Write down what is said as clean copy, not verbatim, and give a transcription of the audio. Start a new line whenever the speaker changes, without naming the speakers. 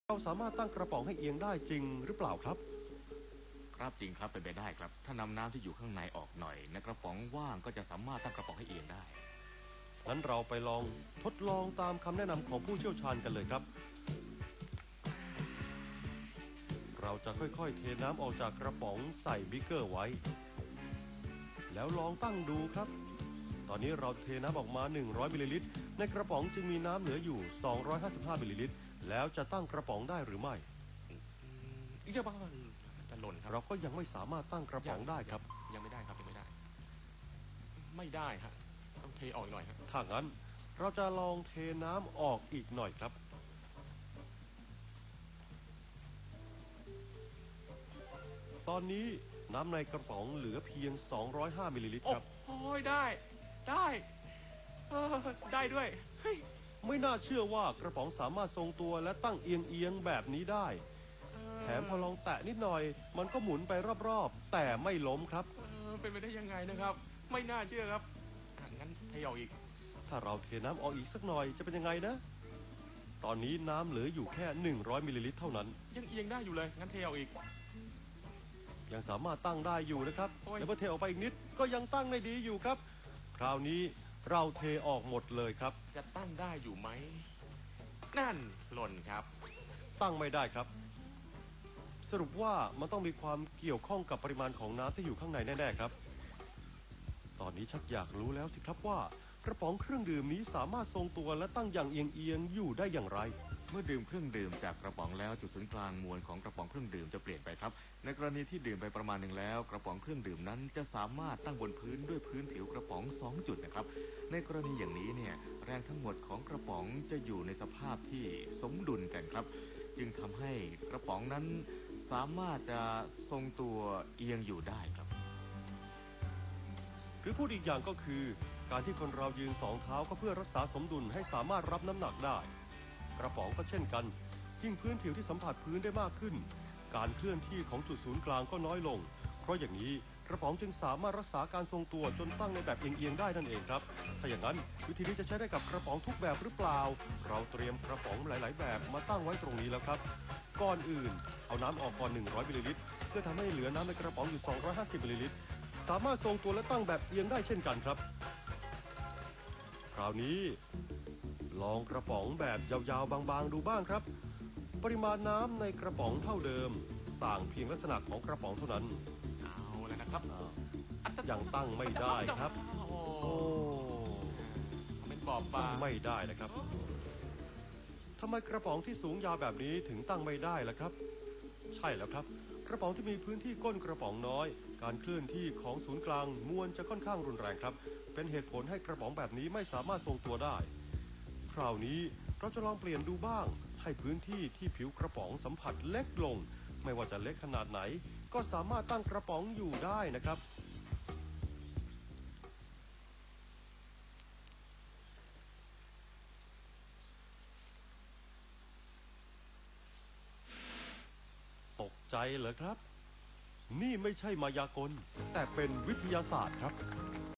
เราสามารถตั้งกระป๋องให้เอียงได้จริงหรือเปล่าครับ
ครับจริงครับเป็นไปได้ครับถ้านำน้ำที่อยู่ข้างในออกหน่อยในกระป๋องว่างก็จะสามารถตั้งกระป๋องให้เอียงได้
งั้นเราไปลองทดลองตามคำแนะนำของผู้เชี่ยวชาญกันเลยครับเราจะค่อยๆเทน้ำออกจากกระป๋องใส่บิ๊กเกอร์ไว้แล้วลองตั้งดูครับตอนนี้เราเทน้ำออกมา100มิลลิลิตรในกระป๋องจึงมีน้ำเหลืออยู่255มิลลิลิตรแล้วจะตั้งกระป๋องได้หรือไม่
จะบ้าจะหล่นครับ
เราก็ยังไม่สามารถตั้งกระป๋องได้ครับ
ยังไม่ได้ครับยังไม่ได้ไม่ได้ฮะต้องเทออกหน่อยครับ
ถ้างั้นเราจะลองเทน้ำออกอีกหน่อยครับตอนนี้น้ำในกระป๋องเหลือเพียง205มิลลิลิตรครับ
โอ้ยได้ได้ด้วย
ไม่น่าเชื่อว่ากระป๋องสามารถทรงตัวและตั้งเอียงแบบนี้ได้แถมพอลองแตะนิดหน่อยมันก็หมุนไปรอบๆแต่ไม่ล้มครับ
เป็นไปได้ยังไงนะครับไม่น่าเชื่อครับงั้นเทออกอีก
ถ้าเราเทน้ำออกอีกสักหน่อยจะเป็นยังไงนะตอนนี้น้ำเหลืออยู่แค่100มิลลิลิตรเท่านั้น
ยังเอียงได้อยู่เลยงั้นเทออกอีก
ยังสามารถตั้งได้อยู่นะครับแต่เมื่อเทออกไปอีกนิดก็ยังตั้งได้ดีอยู่ครับคราวนี้เราเทออกหมดเลยครับ
จะตั้งได้อยู่ไหมนั่นหล่นครับ
ตั้งไม่ได้ครับสรุปว่ามันต้องมีความเกี่ยวข้องกับปริมาณของน้ำที่อยู่ข้างในแน่ๆครับตอนนี้ชักอยากรู้แล้วสิครับว่ากระป๋องเครื่องดื่มนี้สามารถทรงตัวและตั้งอย่างเอียงอยู่ได้อย่างไร
เมื่อดื่มเครื่องดื่มจากกระป๋องแล้วจุดศูนย์กลางมวลของกระป๋องเครื่องดื่มจะเปลี่ยนไปครับในกรณีที่ดื่มไปประมาณหนึ่งแล้วกระป๋องเครื่องดื่มนั้นจะสามารถตั้งบนพื้นด้วยพื้นผิวกระป๋อง2จุดนะครับในกรณีอย่างนี้เนี่ยแรงทั้งหมดของกระป๋องจะอยู่ในสภาพที่สมดุลกันครับจึงทำให้กระป๋องนั้นสามารถจะทรงตัวเอียงอยู่ได้ครับ
หรือพูดอีกอย่างก็คือการที่คนเรายืน2เท้าก็เพื่อรักษาสมดุลให้สามารถรับน้ำหนักได้กระป๋องก็เช่นกันยิ่งพื้นผิวที่สัมผัสพื้นได้มากขึ้นการเคลื่อนที่ของจุดศูนย์กลางก็น้อยลงเพราะอย่างนี้กระป๋องจึงสามารถรักษาการทรงตัวจนตั้งในแบบเอียงได้นั่นเองครับถ้าอย่างนั้นวิธีนี้จะใช้ได้กับกระป๋องทุกแบบหรือเปล่าเราเตรียมกระป๋องหลายๆแบบมาตั้งไว้ตรงนี้แล้วครับก่อนอื่นเอาน้ำออกก่อน100มิลลิลิตรเพื่อทำให้เหลือน้ำในกระป๋องอยู่250มิลลิลิตรสามารถทรงตัวและตั้งแบบเอียงได้เช่นกันครับคราวนี้ลองกระป๋องแบบยาวๆบางๆดูบ้างครับปริมาณน้ำในกระป๋องเท่าเดิมต่างเพียงลักษณะของกระป๋องเท่านั้น
เอาแล้วนะครับ
ยังตั้งไม่ได้ครับโอ้
เป็นบอบบาง
ตั้งไม่ได้นะครับทำไมกระป๋องที่สูงยาวแบบนี้ถึงตั้งไม่ได้ล่ะครับใช่แล้วครับกระป๋องที่มีพื้นที่ก้นกระป๋องน้อยการเคลื่อนที่ของศูนย์กลางมวลจะค่อนข้างรุนแรงครับเป็นเหตุผลให้กระป๋องแบบนี้ไม่สามารถทรงตัวได้คราวนี้เราจะลองเปลี่ยนดูบ้างให้พื้นที่ที่ผิวกระป๋องสัมผัสเล็กลงไม่ว่าจะเล็กขนาดไหนก็สามารถตั้งกระป๋องอยู่ได้นะครับตกใจเหรอครับนี่ไม่ใช่มายากลแต่เป็นวิทยาศาสตร์ครับ